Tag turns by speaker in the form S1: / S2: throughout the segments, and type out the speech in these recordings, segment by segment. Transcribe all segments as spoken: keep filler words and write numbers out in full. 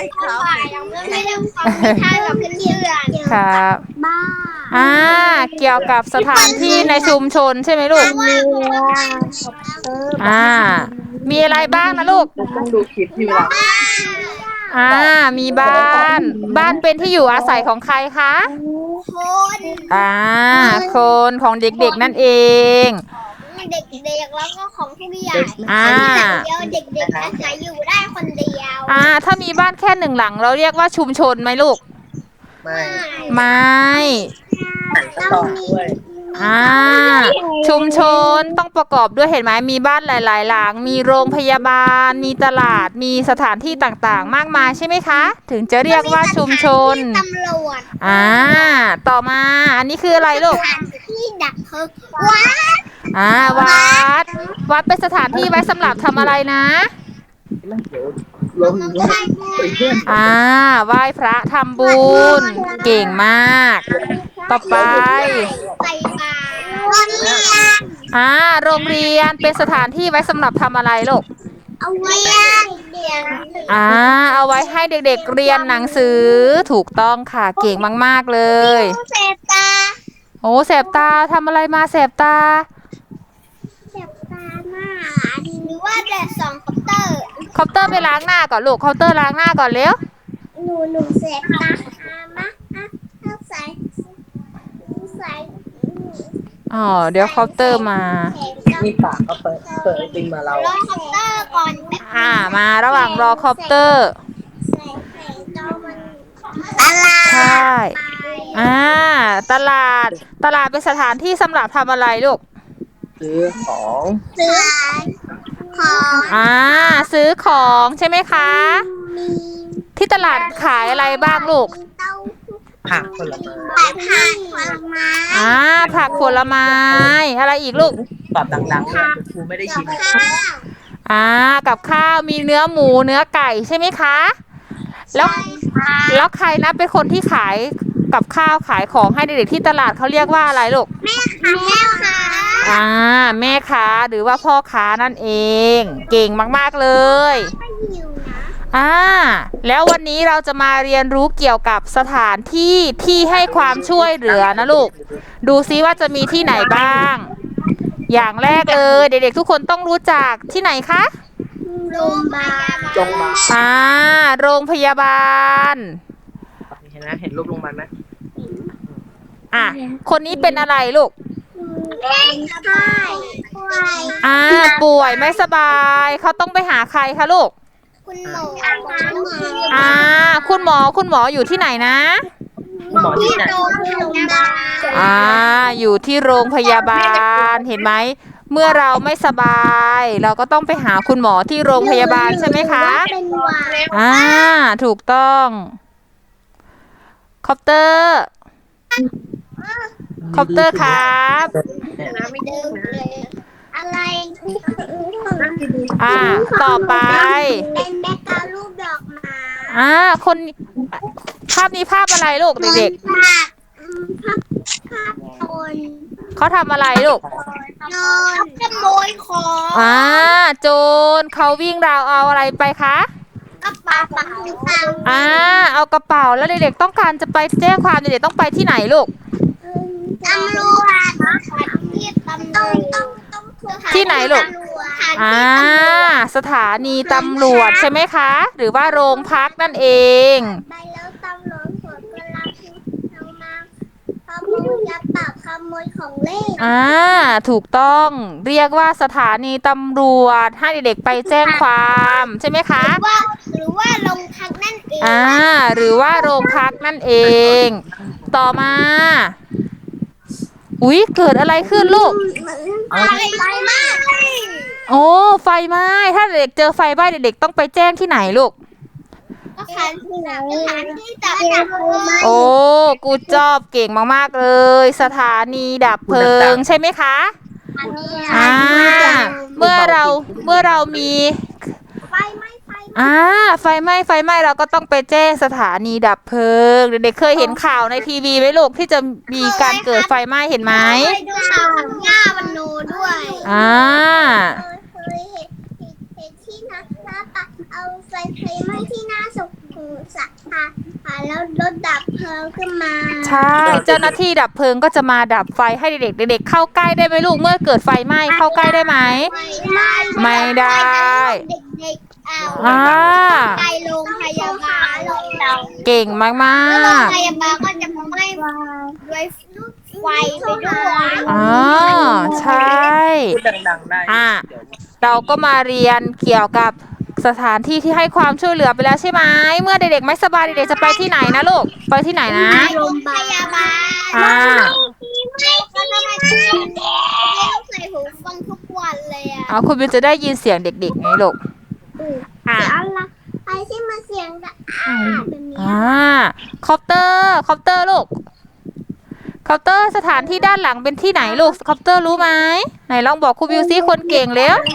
S1: ครับไม่ได้ฟังนิทานกับเพื่อนๆ
S2: ครับ
S1: บ้า
S2: อ่าเกี่ยวกับสถานที่ในชุมชนใช่ไหมลูก
S1: ว่า
S2: อ่ามีอะไรบ้างนะลูก
S3: ต้องดูคลิปที่เวลา
S2: อ่ามีบ้านบ้านเป็นที่อยู่อาศัยของใครคะ
S1: คน
S2: อ่าคนของเด็กๆนั่นเอง
S1: ของเด็กๆแล้วก็ของผู้ใหญ่
S2: อ่า
S1: เดียวเด็กๆอาศัยอยู่ได้คนเดียว
S2: อ่าถ้ามีบ้านแค่หนึ่งหลังเราเรียกว่าชุมชนไหมลูก
S3: ไม่
S2: ไม่
S3: ต้องด้วย
S2: อ่าชุมชนต้องประกอบด้วยเห็นไหมมีบ้านหลายๆหลังมีโรงพยาบาลมีตลาดมีสถานที่ต่างๆมากมายใช่ไหมคะถึงจะเรียกว่าชุมชน
S1: ตำรวจ
S2: อ่าต่อมาอันนี้คืออะไรลูก
S1: ที่ดักเพลิงวัด
S2: อ่าวัดวัดเป็นสถานที่ไว้สำหรับทำอะไรนะ
S3: ไม่เดี๋ยวลงลงเพื่อน
S2: อ่าไหว้พระทำบุญเก่งมาก ต่อไป
S1: ใส่บาตรโรงเรียน
S2: อ่าโรงเรียนเป็นสถานที่ไว้สำหรับทำอะไรลูก
S1: เอาไว้เรียน
S2: อ่าเอาไว้ให้เด็กๆเรียนหนังสือถูกต้องค่ะเก่งมากๆเลย
S1: เสพตา
S2: โอ้แสบตาทำอะไรมาแสบตา
S1: เสพตาหน้าหรือว่าแต่สองคอปเตอร์
S2: คอปเตอร์ไปล้างหน้าก่อนลูกคอปเตอร์ล้างหน้าก่อนเร็ว
S1: หนูหนูเสพตาอามาอ่ะใส่ใส่
S2: อ๋อเดี๋ยวคอปเตอร์มา
S3: มีปากก็เปิดเปิดไอติมมาเรา
S1: รอคอปเตอร์ก่อนแป๊บ
S2: อ่ามาระหว่างรอคอปเตอร์
S1: ใส่ใส่จอมันอะไร
S2: ใช่อ่าตลาดตลาดเป็นสถานที่สำหรับทำอะไรลูก
S3: ซื้อของ
S1: ซื้อของ
S2: อ่าซื้อของใช่ไหมคะ
S1: มี
S2: ที่ตลาดขายอะไรบ้างลูก
S1: เต้า
S3: ผักผลไม้
S1: ขายผักผลไม้
S2: อ่าผักผลไม้อะไรอีกลูก
S3: ตอบดังๆเลยครูไม่ได้ยิน
S1: ข้าว
S2: อ่ากับข้าวมีเนื้อหมูเนื้อไก่ใช่ไหมคะแล้วแล้วใครนะเป็นคนที่ขายกับข้าวขายของให้เด็กๆที่ตลาดเขาเรียกว่าอะไรลูก
S1: แม่ค่ะแม่ค่ะ
S2: อ่าแม่ค้าหรือว่าพ่อค้านั่นเอง เก่งมากๆเลย
S1: ไม่หิวนะ
S2: อ่าแล้ววันนี้เราจะมาเรียนรู้เกี่ยวกับสถานที่ที่ให้ความช่วยเหลือนะลูกดูซิว่าจะมีที่ไหนบ้าง อย่างแรกเลยเด็กๆทุกคนต้องรู้จักที่ไหนคะ
S1: โรงพยาบาล
S3: ลงมา
S2: อ่าโรงพยาบาล
S3: เห็นไหมเห็นรูปลงมาไหม
S2: อ่ะคนนี้เป็นอะไรลูก
S1: เป็นไข้ป่วย
S2: อ่าป่วยไม่สบายเขาต้องไปหาใครคะลูก
S1: คุณหมอคุณหมอ
S2: อ่าคุณหมอคุณหมออยู่ที่ไหนนะ
S3: คุณหมอที่
S1: ที่
S3: ไหน
S1: โรงพยาบาล
S2: อ่าอยู่ที่โรงพยาบาลเห็นไหมเมื่อเราไม่สบาย เราก็ต้องไปหาคุณหมอที่โรงพยาบาลใช่ไหมคะ
S1: เป็นหวัด
S2: อ่าถูกต้องคอปเตอร์คอปเตอร์ครับ
S1: ไม่เดิมเลยอะไร
S2: อ่าต่อไป
S1: เป็นแม่กาลูกดอกไม้
S2: อ่าคนภาพนี้ภาพอะไรลูกเด็ก
S1: ภาพภาพภาพคน
S2: ๆเขาทำอะไรลูก
S1: นอนขโมยของ
S2: อ่าโจรเขาวิ่งราวเอาอะไรไปคะ
S1: กระเป๋าตังค์
S2: อ่าเอากระเป๋าแล้วเด็กๆต้องการจะไปแจ้งความเด็กๆต้องไปที่ไหนลูก
S1: ตำรวจที่ตำรวจต้องต้องต้อง
S2: ที่ไหนลูก อ่าสถานีตำรวจใช่ไหมคะ หรือว่าโรงพักนั่นเอง
S1: ไปแล้วตำรวจหัวกระลาเอามาขโมยกระเป๋าขโมยของเล่น
S2: อ่าถูกต้องเรียกว่าสถานีตำรวจให้เด็กๆไปแจ้งความใช่ไหมคะ
S1: ว่าหรือว่าโรงพักนั่นเอง
S2: อ่าหรือว่าโรงพักนั่นเอง ต่อมาอุ๊ยเกิดอะไรขึ้นลูก
S1: ไฟไหม้
S2: โอ้ไฟไหม้ถ้าเด็กเจอไฟไหม้เด็กๆต้องไปแจ้งที่ไหนลูก
S1: สถานที่ไหนสถานที่ดับเพลิง
S2: โอ้กูจอบเก่งมากๆเลย สถานีดับเพลิงใช่ไหมคะอ่าเมื่อเราเมื่อเรามี
S1: ไฟไหม้ไฟไหม้
S2: อ่าไฟไหม้ไฟไหม้เราก็ต้องไปแจ้งสถานีดับเพลิงเด็กๆเคยเห็นข่าวในทีวีไหมลูกที่จะมีการเกิดไฟไหม้เห็นไหม
S1: เคยดูข่าวหญ้าวันโนด้วย
S2: อ่า
S1: เคยเห็นเห็นที่นักหน้าปะเอาไฟไฟไหม้ที่หน้าศพสะพานแล้วรถดับเพลิงขึ้นมา
S2: ใช่ เจ้าหน้าที่ดับเพลิงก็จะมาดับไฟให้เด็กๆเด็กๆเข้าใกล้ได้ไหมลูกเมื่อเกิดไฟไหม้เข้าใกล้ได้ไหม
S1: ไม่ได้
S2: ไม่ได้
S1: เด็กๆเอา
S2: อ่า
S1: ไปโรงพยาบาลเรา
S2: เก่งมาก
S1: แล้วโรง
S2: ๆ
S1: พยาบาลก็จะไหม้ด้วยไฟไปด้วย
S2: อ๋อใช่
S3: พูดดังๆได้
S2: อ่ะเราก็มาเรียนเกี่ยวกับสถานที่ที่ให้ความช่วยเหลือไปแล้วใช่ไหมเมื่อเด็กๆไม่สบายเด็กๆจะไปที่ไหนนะลูกไปที่ไหนนะ
S1: โรงพยาบาล
S2: อ่า
S1: ไม่เขาทำไมต้องใส่หูฟังทุกวันเลยอ่ะ
S2: เอาคุณบิวจะได้ยินเสียงเด็กๆไงลูกอ่ะ
S1: เสียงอะไรไอ้ที่มาเสียงแบบอ่าแบบนี้
S2: อ่าคอปเตอร์คอปเตอร์ลูกคอปเตอร์สถานที่ด้านหลังเป็นที่ไหนลูกคอปเตอร์รู้ไหมไหนลองบอกครูบิวซิคนเก่งเร็ว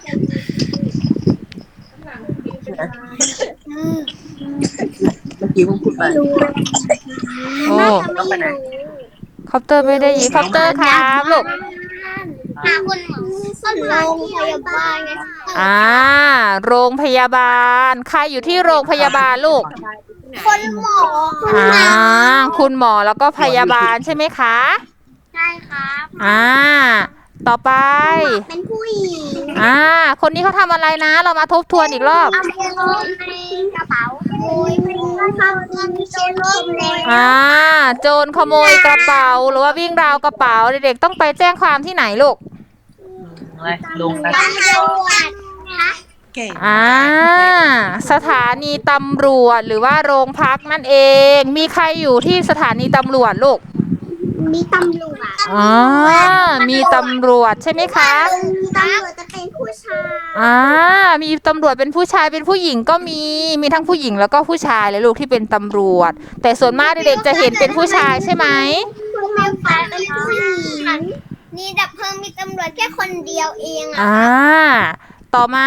S3: เมื่อกี้ผมพูดไป
S2: โอ้
S1: น่าจะไม่รู้
S2: คอปเตอร์ไม่ได้ยินคอปเตอร์ครับลูก
S1: หาคุณหมอก็โรงพยาบาลไง
S2: อ่าโรงพยาบาลใครอยู่ที่โรงพยาบาลลูก
S1: คนหมอ
S2: อ่าคุณหมอแล้วก็พยาบาลใช่ไหมคะ
S1: ใช่ครับ
S2: อ่าต่อไป
S1: เป็นผู้หญิง
S2: อ่าคนนี้เขาทำอะไรนะ เรามาทบทวนอีกรอบ
S1: เอาไปลงในกระเป๋าโอ้ยไม่ทำเงินโจรขโมย
S2: อ่าโจรขโมยกระเป๋าหรือว่าวิ่งราวกระเป๋าเด็กๆต้องไปแจ้งความที่ไหนลูก
S3: อะไรลงนะ
S1: ตำรวจคะ
S3: เก่ง
S2: อ่าสถานีตำรวจหรือว่าโรงพักนั่นเอง มีใครอยู่ที่สถานีตำรวจลูก
S1: มีตำรวจ
S2: อ๋อมีตำรวจใช่ไหมคะ
S1: ตำรวจจะเป็นผู้ชาย
S2: อ่ามีตำรวจเป็นผู้ชายเป็นผู้หญิงก็มีมีทั้งผู้หญิงแล้วก็ผู้ชายเลยลูกที่เป็นตำรวจ แต่ส่วนมากเด็กๆจะเห็นเป็นผู้ชายใช่ไหม
S1: คุณแม่ฟ้าเป็นผู้หญิงนี่ดับเพลิงมีตำรวจแค่คนเดียวเองอ่ะ
S2: อ่าต่อมา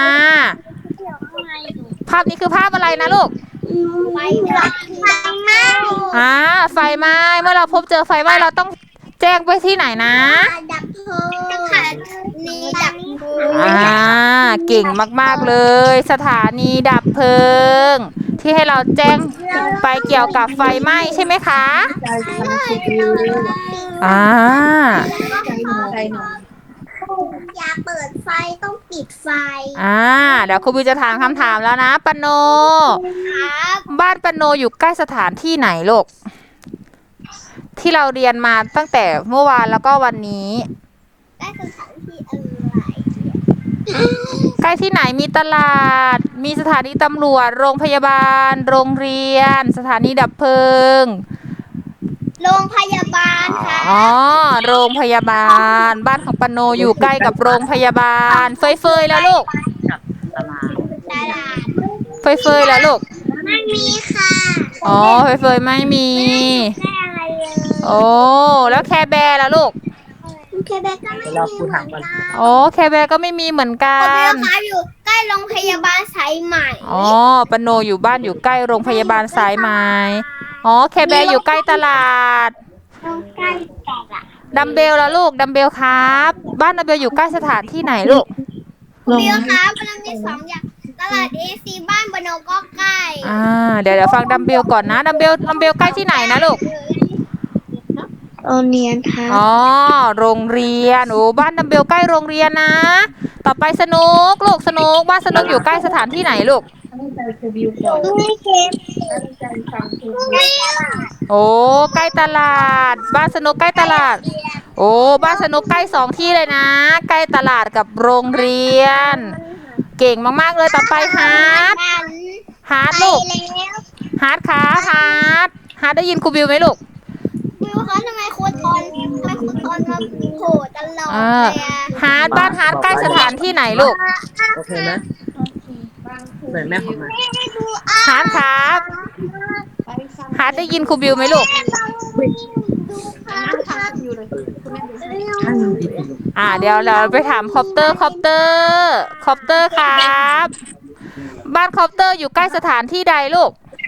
S2: ภาพนี้คือภาพอะไรนะลูก
S1: ไฟไฟไหม้
S2: อ่าไฟไหม้เมื่อเราพบเจอไฟไหม้เราต้องแจ้งไปที่ไหนนะ
S1: ดับเพลิงค่ะนี่ดับเพลิง
S2: อ่าเก่งมากๆเลย สถานีดับเพลิง ที่ให้เราแจ้งไปเกี่ยวกับไฟไหม้ใช่ไหมคะอ่า
S1: อย่าเปิดไฟต้องปิดไฟ
S2: อ่าเดี๋ยวครูบิวจะถามคำถามแล้วนะปโน
S1: ครับ
S2: บ้านปโนอยู่ใกล้สถานที่ไหนลูกที่เราเรียนมาตั้งแต่เมื่อวานแล้วก็วันนี้
S1: ได้สถานที่อะไร
S2: ใกล้ที่ไหนมีตลาด มีสถานีตำรวจ โรงพยาบาล โรงเรียน สถานีดับเพลิง
S1: โรงพยาบาลค่ะ
S2: อ๋อ โรงพยาบาล บ้านของปโนอยู่ใกล้กับโรงพยาบาล เฟยเฟยแล้วลูก
S3: ตลาด
S1: ตลาด
S2: เฟยเฟยแล้วลูก
S1: ไม่มีค่ะ
S2: อ๋อ เฟยเฟยไม่มี
S1: ไม่ได้อะไรเลย
S2: โอ้ แล้วแคร์แบร์แล้วลูก
S1: เคเบกก็ไม่มีเหมือนกัน
S2: โอ้แคร์แบร์ก็ไม่มีเหมือนกั
S1: ผมเรีย
S2: น
S1: กค้าอยู่ใกล้โรงพยาบาลสายใหม่
S2: อ๋อปโนอยู่บ้านอยู่ใกล้โรงพยาบาลสายไหมอ๋อแคร์แบร์อยู่ใกล้ตลาด
S1: ใกล้ตลาด
S2: ดัมเบลแล้วลูก ดัมเบลครับ บ้านดัมเบลอยู่ใกล้สถานที่ไหนลูก
S1: ผมเรียกค้ามันมีสองอย่างตลาดเอซีบ้านบโนก็ใกล้
S2: อ่า เดี๋ยวเดี๋ยวฟังดัมเบลก่อนนะ ดัมเบล ดัมเบลใกล้ที่ไหนนะลูก
S1: โรงเรียนค่ะ
S2: อ๋อ โรงเรียน โอ้ บ้านดัมเบลใกล้โรงเรียนนะ ต่อไปสนุกลูกสนุก บ้านสนุกอยู่ใกล้สถานที่ไหนลูก
S1: ไม่เค็มไม่ตลาด
S2: โอ้ ใกล้ตลาด บ้านสนุกใกล้ตลาด โอ้ บ้านสนุกใกล้สองที่เลยนะ ใกล้ตลาดกับโรงเรียน เก่งมากๆเลย ต่อไปฮาร์ด ฮาร์ด
S1: ไป
S2: ลูก
S1: แล้ว
S2: ฮาร์ดขาฮาร์ด ฮาร์ดได้ยินครูบิวไหมลูก
S1: วิวคะทำไมครูทอนทำไมครูทอนมาโผล่ตลอด
S2: อ่า
S1: เลยอะ
S2: ฮาร์ดบ้านฮาร์ดใกล้สถานที่ไหนลูก
S3: โอเคไหมไหนแม่ของมา
S2: ฮาร์ดครับ ฮาร์ดได้ยินครูบิวไหมลูก
S3: ข้างดี
S2: อ่าเดี๋ยวเราไปถามคอปเตอร์คอปเตอร์คอปเตอร์ครับ บ้านคอปเตอร์อยู่ใกล้สถานที่ใดลูก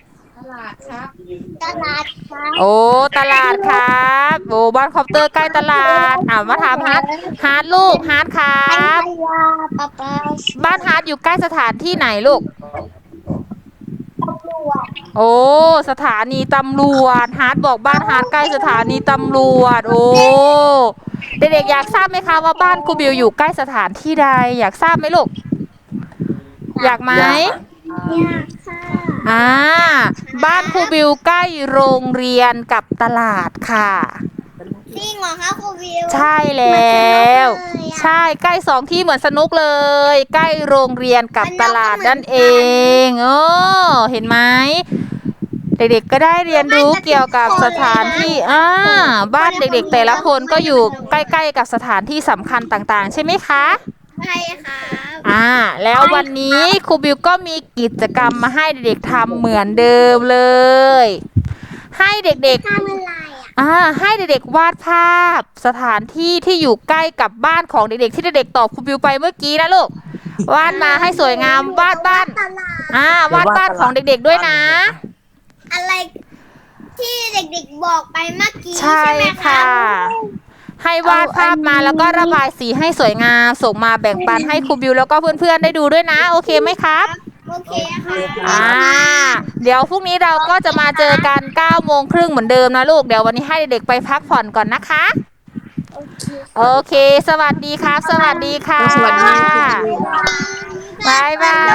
S1: ตลาดค่ะ
S2: โอ้ตลาดครับโอ้บ้านคอปเตอร์ใกล้ตลาดอ่ามาถามฮาร์ดฮาร์ดลูกฮาร์ดครับ
S1: พยาปะปา
S2: บ้านฮาร์ดอยู่ใกล้สถานที่ไหนลูก
S1: ต
S2: โอ้สถานีตำรวจฮาร์ดบอกบ้านฮาร์ดใกล้สถานีตำรวจโอ้เด็กๆอยากทราบไหมคะว่าบ้านครูบิวอยู่ใกล้สถานที่ใดอยากทราบไหมลูกอยากไหม
S1: อยากค่ะ
S2: อ่าบ้านครูบิวใกล้โรงเรียนกับตลาดค่ะ
S1: จริงเหรอคะครูบิว
S2: ใช่แล้วใช่ใกล้สองที่เหมือนสนุกเลย ใกล้โรงเรียนกับตลาดนั่นเองโอ้เห็นไหมเด็กๆก็ได้เรียนรู้เกี่ยวกับสถานที่อ่าบ้านเด็กๆแต่ละคนก็อยู่ใกล้ๆกับสถานที่สำคัญต่างๆใช่ไหมคะ
S1: ใช่ค่ะ
S2: อ่าแล้ววันนี้ครูบิวก็มีกิจกรรมมาให้เด็กๆทำเหมือนเดิมเลย ให้เด็ก
S1: ทำอะไรอ่ะ
S2: ๆอ่าให้เด็กๆวาดภาพสถานที่ที่อยู่ใกล้กับบ้านของเด็กๆที่เด็กๆตอบครูบิวไปเมื่อกี้นะลูกวาดมาให้สวยงามวาดบ้าน
S1: ตลาด
S2: อ่าวาดบ้านของเด็กๆด้วยนะ
S1: อะไรที่เด็กๆบอกไปเมื่อกี้
S2: ใช่
S1: ใช่ไหมคะ
S2: ค่ะ ให้วาดภาพมาแล้วก็ระบายสีให้สวยงามส่งมาแบ่งปันให้ครูบิวแล้วก็เพื่อนๆได้ดูด้วยนะโอเคไหมครับ
S1: โอเคค่ะ
S2: อ่าเดี๋ยวพรุ่งนี้เราก็จะมาเจอกันเก้าโมงครึ่งเหมือนเดิมนะลูกเดี๋ยววันนี้ให้เด็กๆไปพักผ่อนก่อนนะคะ
S1: โอเค
S2: โอเค สวัสดีครับ สวัสดีค่ะ
S3: สวัสดีค่ะ
S2: บายบาย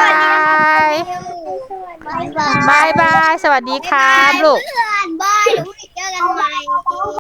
S1: บายบาย
S2: บายบาย สวัสดีครับลูก
S1: เพื่อนบายเดี๋ยวพรุ่งนี้เจอกันใหม่